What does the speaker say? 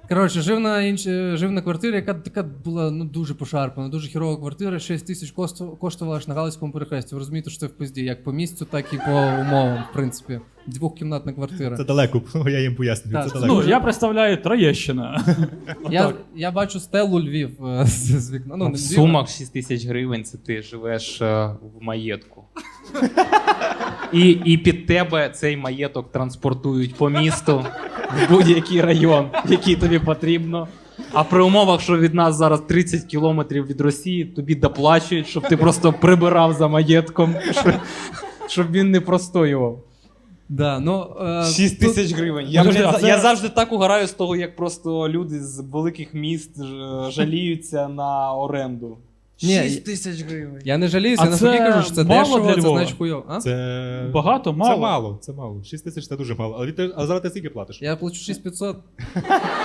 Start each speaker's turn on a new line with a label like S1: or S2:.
S1: Коротше, жив на квартирі, яка така була дуже пошарпана, дуже хірова квартира, 6 тисяч коштувала аж на Галицькому перехресті. Ви розумієте, що це в пизді, як по місцю, так і по умовам, в принципі. Двохкімнатна квартира.
S2: Це далеко, я їм пояснюю,
S1: Так.
S2: це далеко.
S3: Ну, я представляю Троєщина.
S1: Я бачу стелу Львів з вікна. Ну,
S4: В
S1: не Львів,
S4: сумах 6 тисяч гривень це ти живеш в маєтку. І під тебе цей маєток транспортують по місту в будь-який район, який тобі потрібно. А при умовах, що від нас зараз 30 кілометрів від Росії, тобі доплачують, щоб ти просто прибирав за маєтком, щоб він не простоював.
S1: Да, ну,
S4: 6
S1: тут-
S4: тисяч гривень.
S3: Подожди, а це-
S4: Я завжди так угораю з того, як просто люди з великих міст жаліються на оренду.
S1: Ні,
S4: 6 тисяч гривень.
S1: Я не жаліюся,
S3: А
S1: я навпаки
S3: це
S1: кажу, що це
S3: мало
S1: дешево,
S3: для
S1: це
S3: Львова?
S1: значить хуйово. А?
S2: Це...
S3: Багато, мало?
S2: Це мало. 6 тисяч це дуже мало. А зараз ти скільки платиш?
S1: Я плачу 6500.